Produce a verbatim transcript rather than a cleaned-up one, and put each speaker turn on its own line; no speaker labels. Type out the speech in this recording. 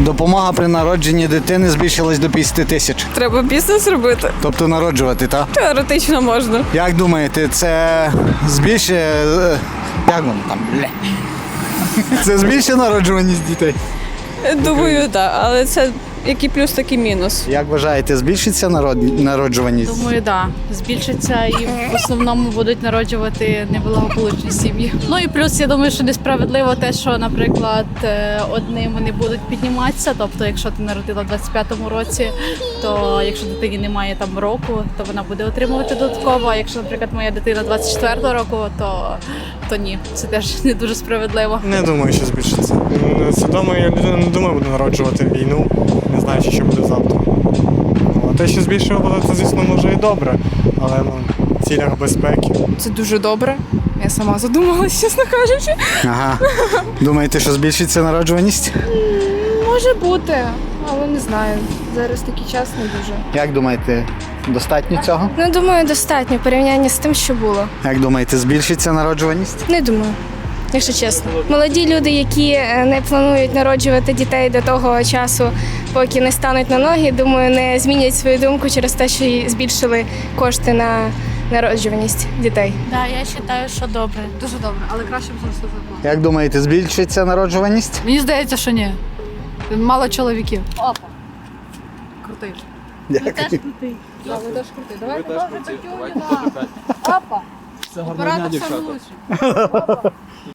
Допомога при народженні дитини збільшилась до п'ятдесят тисяч.
Треба бізнес робити.
Тобто народжувати, так?
Теоретично можна.
Як думаєте, це збільшує... е, Як воно там? Бля. Це збільшує народжуваність дітей?
Думаю, так. Але це як і плюс, так і мінус.
Як вважаєте, збільшиться народ... народжуваність?
Думаю, да, збільшиться і в основному будуть народжувати неблагополучні сім'ї. Ну і плюс я думаю, що несправедливо те, що, наприклад, е, одним вони будуть підніматися. Тобто, якщо ти народила в двадцять п'ятому році, то якщо дитині немає там року, то вона буде отримувати додатково. А якщо, наприклад, моя дитина двадцять четвертого року, то, то ні, це теж не дуже справедливо.
Не думаю, що збільшиться. Свідомо я людина не думаю, буде народжувати війну, не знаючи, що буде завтра. Ну, а те, що збільшило, це, звісно, може і добре, але ну, в цілях безпеки.
Це дуже добре. Я сама задумалась, чесно кажучи.
Ага. Думаєте, що збільшиться народжуваність?
Може бути, але не знаю. Зараз такий час не дуже.
Як думаєте, достатньо цього?
Ну, думаю, достатньо в порівнянні з тим, що було.
Як думаєте, збільшиться народжуваність?
Не думаю, якщо чесно. Молоді люди, які е, не планують народжувати дітей до того часу, поки не стануть на ноги, думаю, не змінять свою думку через те, що й збільшили кошти на народжуваність дітей.
Да, я вважаю, що добре.
Дуже добре, але краще б зрости зарплату.
Як думаєте, збільшиться народжуваність?
Мені здається, що ні. Мало чоловіків. Опа. Крутий.
Дякую.
крутий.
Да, ви теж крутий. Давайте добре, Петюня, да. Опа. Оператор сам лучший. Опа.